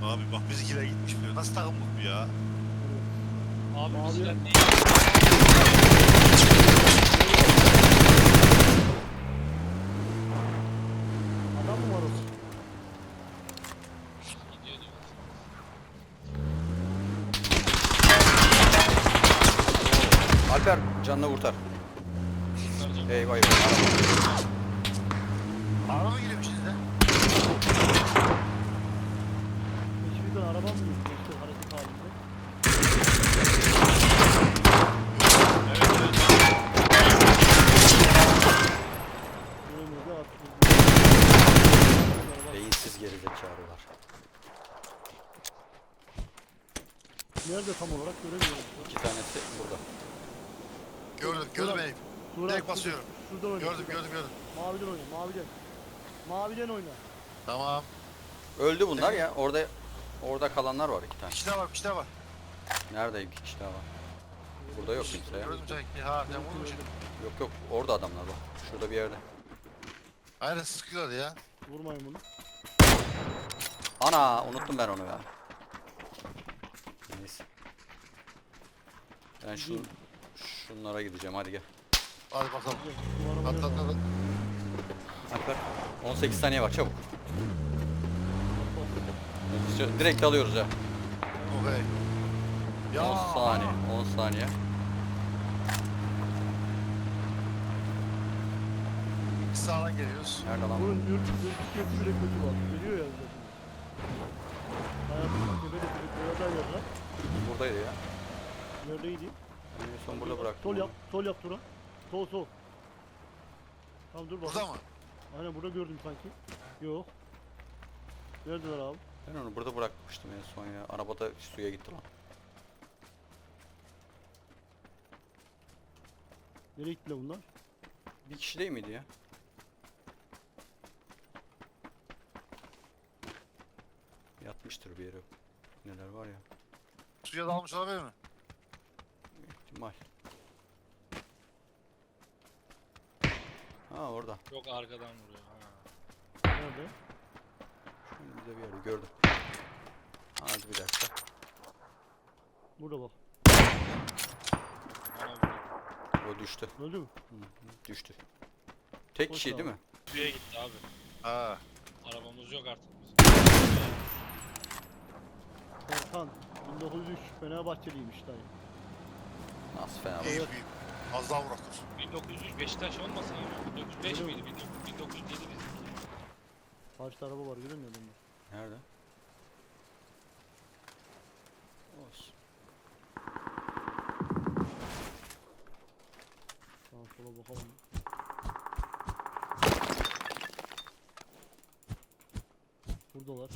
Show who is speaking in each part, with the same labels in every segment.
Speaker 1: Abi bak bizimkiler gitmiş diyor. Nasıl takım bu ya?
Speaker 2: Abi
Speaker 3: Mavi-
Speaker 2: bizden değil.
Speaker 3: Adam mı var orada?
Speaker 2: Gidiyor diyor.
Speaker 4: Alper canını kurtar.
Speaker 2: Kurtaracağım.
Speaker 4: Eyvah eyvah.
Speaker 1: Araba mı giriyor içinizde?
Speaker 3: Hiçbir araba mı gitti işte hareket halinde?
Speaker 2: Evet evet.
Speaker 3: Görmedi artık.
Speaker 4: Beyinsiz gerizekalılar.
Speaker 3: Nerede tam olarak göremiyorum.
Speaker 4: İki tanesi burada.
Speaker 1: Gördüm beni.
Speaker 3: Turan,
Speaker 1: Direkt basıyorum.
Speaker 3: Şuradan oyna.
Speaker 1: Gördüm.
Speaker 3: Maviden oyna, maviden. Maviden oyna.
Speaker 1: Tamam.
Speaker 4: Öldü bunlar ya. Orada kalanlar var iki tane.
Speaker 1: Bir kişi daha var.
Speaker 4: Nerede iki kişi daha var? Burada yok kimse ya.
Speaker 1: Gördüm sanki. Ha sen vurmuş.
Speaker 4: Yok orada adamlar var. Şurada bir yerde.
Speaker 1: Aynen sıkıyorlar ya.
Speaker 3: Vurmayın bunu.
Speaker 4: Ana unuttum ben onu ya. Neyse. Ben şunlara gideceğim hadi gel.
Speaker 1: Hadi bakalım.
Speaker 3: Şu arabaya bak.
Speaker 4: Alper 18 saniye var çabuk. Direkt alıyoruz ha.
Speaker 1: Okey.
Speaker 4: 10 saniye 10 saniye.
Speaker 1: Sağdan geliyoruz.
Speaker 4: Nerede lan?
Speaker 3: Bunun ürkütücüsü bile kötü bak. Geliyor ya zaten. Hayatımda tepede boyadan yazar.
Speaker 4: Buradaydı ya.
Speaker 3: Neredeydi?
Speaker 4: En son burada bıraktım.
Speaker 3: Sol yap, sol yap Turan. Sol. Tamam dur bak.
Speaker 1: Burada mı?
Speaker 3: Aynen burada gördüm sanki. Yok. Neredeler abi?
Speaker 4: Ben onu burada bırakmıştım en son ya. Arabada suya gitti lan.
Speaker 3: Nereye gittiler bunlar?
Speaker 4: Bir kişi değil miydi ya? Yatmıştır bir yere. Neler var ya.
Speaker 1: Suya dalmış olabilir mi?
Speaker 4: İhtimal. Ha orada.
Speaker 2: Yok arkadan vuruyor. Ha.
Speaker 3: Nerede?
Speaker 4: Şimdi bir yerde gördüm. Hadi bir dakika.
Speaker 3: Burada bak.
Speaker 2: Bana vuruyor.
Speaker 4: O düştü.
Speaker 3: Öldü mü?
Speaker 4: Düştü. Tek
Speaker 3: Boş
Speaker 4: kişi
Speaker 3: abi.
Speaker 4: değil mi?
Speaker 2: Suya gitti abi.
Speaker 1: Ha.
Speaker 2: Arabamız yok artık bizim.
Speaker 3: Serkan. 1903 Fenerbahçeliymiş dayı.
Speaker 4: Nasıl fena
Speaker 1: İyi
Speaker 4: olur?
Speaker 1: büyük. Az daha bıraktır.
Speaker 2: 1903 Beşiktaş olmasın ya. 1905
Speaker 3: Öyle
Speaker 2: miydi? 1907 bizimki.
Speaker 3: Karşıda araba var göremiyor musun?
Speaker 4: Nerede? Olsun.
Speaker 3: Sağa sola bakalım. Buradalar.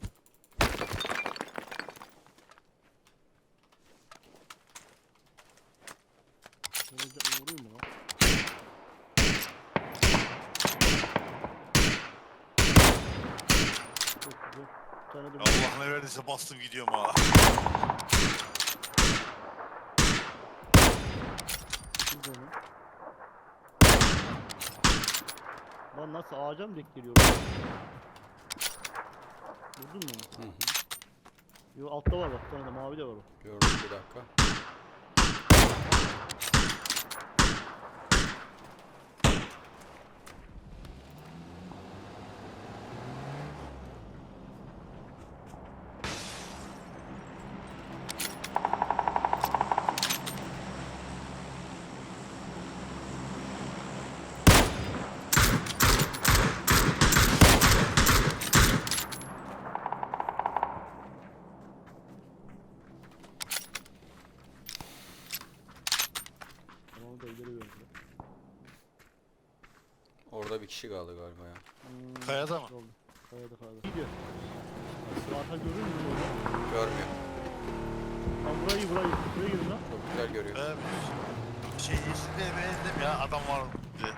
Speaker 3: Vurayım mı lan? Çok güzel. Bir tane de
Speaker 1: Allah ne verdiyse bastım gidiyorum ha.
Speaker 3: burada mı? Lan nasıl ağaca mı denk geliyor? Vurdun mu?
Speaker 4: Hı hı.
Speaker 3: Yo altta var bak, bir tane de mavi de var o.
Speaker 4: Gördüm bir dakika.
Speaker 3: Tamam da ileri verdi.
Speaker 4: Orada bir kişi kaldı galiba ya.
Speaker 1: Kayada mı?
Speaker 3: Oldu. Kayada. Gidiyor. Zaten görür müsün orada?
Speaker 4: Görmüyor.
Speaker 3: Lan burayı. Buraya girin lan.
Speaker 4: Çok güzel görüyor.
Speaker 1: Ben yeşilde beğendim ya adam var diye.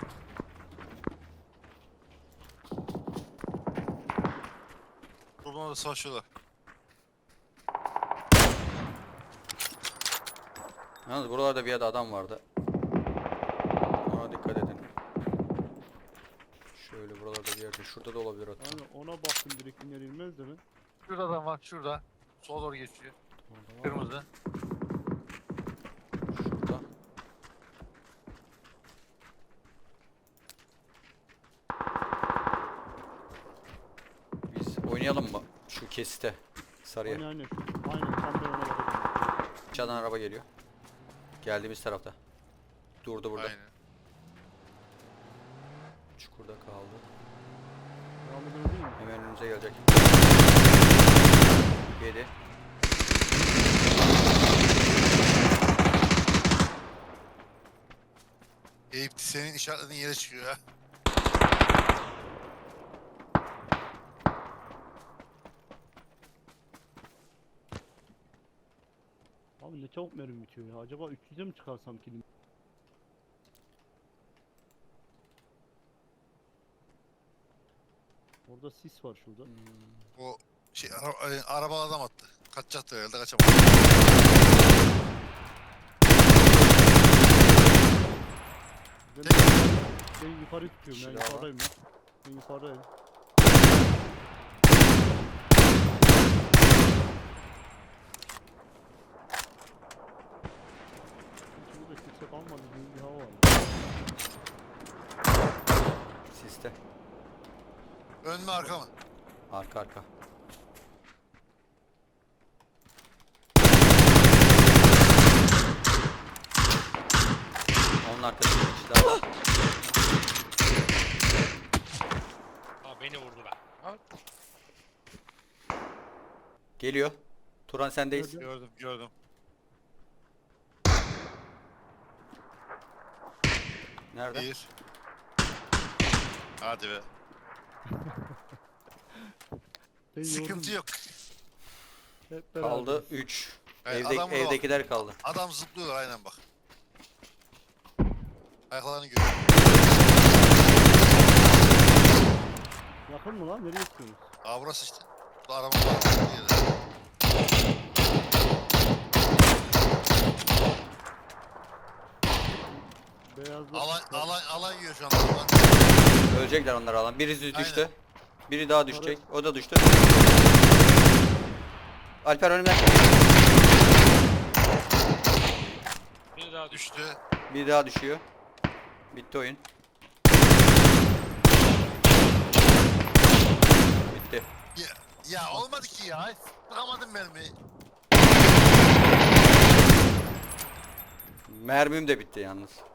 Speaker 1: Buradan da savaşıyorlar.
Speaker 4: Yalnız buralarda bir yerde adam vardı. Ona dikkat edin. Şöyle buralarda bir yerde. Şurada da olabilir hatta.
Speaker 3: Yani ona baktım direkt iner inmez de mi?
Speaker 1: Şurada adam var şurada. Sola doğru geçiyor.
Speaker 3: Orada var.
Speaker 1: Kırmızı.
Speaker 4: Şurada. Biz oynayalım mı? Şu kesite. Sarıya.
Speaker 3: Aynen aynen. Aynen tam ben ona bakıyorum.
Speaker 4: Aşağıdan araba geliyor. Geldiğimiz tarafta. Durdu burada.
Speaker 1: Aynen.
Speaker 4: Çukurda kaldı.
Speaker 3: Devam edelim değil mi?
Speaker 4: Hemen önümüze gelecek. 7.
Speaker 1: Eyüp senin işaretlediğin yere çıkıyor ya.
Speaker 3: Abi ne çabuk mermi bitiyor ya. Acaba 300'e mi çıkarsam kilim? Orada sis var şurada.
Speaker 1: O şey arabalı adam attı. Kaçacaktı herhalde kaçamadı.
Speaker 3: Ben, ben yukarı tutuyorum. Ben
Speaker 4: Kişi daha var.
Speaker 3: yukarıdayım ya. Ben yukarıdayım. Hiç burada kimse kalmadı. Bir hava var.
Speaker 4: Siste.
Speaker 1: Ön mü arka mı?
Speaker 4: Arka arka. Onun arkasında bir kişi daha var.
Speaker 2: Ha beni vurdu be.
Speaker 4: Geliyor. Turan sendeyiz.
Speaker 3: Nerede?
Speaker 1: Gördüm gördüm.
Speaker 4: Nerede?
Speaker 1: Bir. Hadi be.
Speaker 3: Ben
Speaker 1: Sıkıntı
Speaker 3: yordum.
Speaker 1: yok.
Speaker 3: Hep beraber.
Speaker 4: Kaldı 3.
Speaker 1: Evet, adam burada bak.
Speaker 4: Evdekiler kaldı.
Speaker 1: Adam zıplıyorlar aynen bak. Ayaklarını görüyor.
Speaker 3: Yakın mı lan? Nereye gidiyorsunuz?
Speaker 1: Aa burası işte. Bu araba var.
Speaker 3: Beyazlı.
Speaker 1: Alan yiyor şu anda. Alan.
Speaker 4: Ölecekler onlar alan. Birisi düştü.
Speaker 1: Aynen.
Speaker 4: Biri daha düşecek. O da düştü. Alper önümden.
Speaker 2: Biri daha düştü.
Speaker 1: Düştü.
Speaker 4: Biri daha düşüyor. Bitti oyun. Bitti.
Speaker 1: Ya olmadı ki ya. Sıkamadım mermiyi.
Speaker 4: Mermim de bitti yalnız.